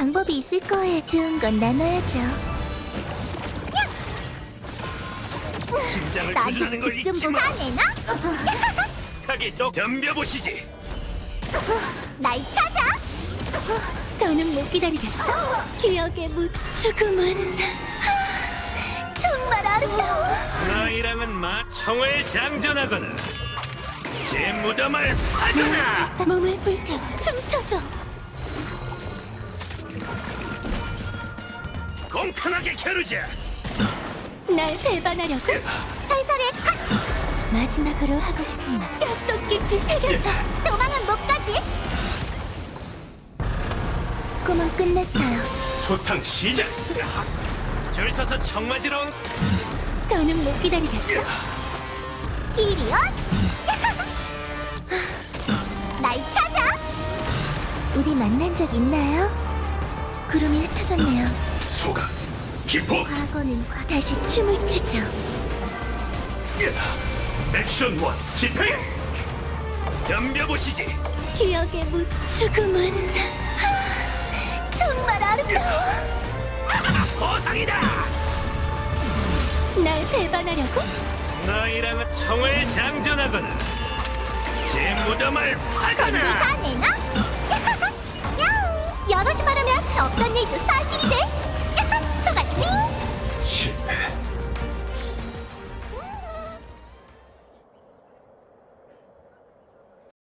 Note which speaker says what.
Speaker 1: 방법이 있을 거예요. 좋은 건 나눠야죠.
Speaker 2: 심장을
Speaker 1: 나한테
Speaker 2: 조준하는 걸
Speaker 1: 득점
Speaker 2: 잊지
Speaker 1: 보고
Speaker 2: 마.
Speaker 1: 화내나?
Speaker 2: 가게 좀 덤벼보시지.
Speaker 1: 날 찾아! 더는 못 기다리겠어. 기억의 죽음은 정말 아름다워.
Speaker 2: 너희랑은 총을 장전하거나 제 무덤을 파거나.
Speaker 1: 몸을 불태워 춤춰줘.
Speaker 2: 공평하게 겨루자.
Speaker 1: 날 배반하려고? 살살해. 마지막으로 하고 싶은 말 뼛속 깊이 새겨져. 도망은 못 가지. 꿈은 끝났어요.
Speaker 2: 소탕 시작. 줄 서서 청 맞으러 온
Speaker 1: 더는 못 기다리겠어. 이리온. 날 찾아. 우리 만난 적 있나요? 구름이 흩어졌네요.
Speaker 2: 소각 기폭.
Speaker 1: 과거는 다시 춤을 추죠.
Speaker 2: 액션 원 집행. 덤벼보시지.
Speaker 1: 기억의 죽음은 정말 아름다워.
Speaker 2: 보상이다.
Speaker 1: 날 배반하려고?
Speaker 2: 너희랑은 총을 장전하거나 제 무덤을 파거나.
Speaker 1: 내나? 여럿이 말하면 없던 일도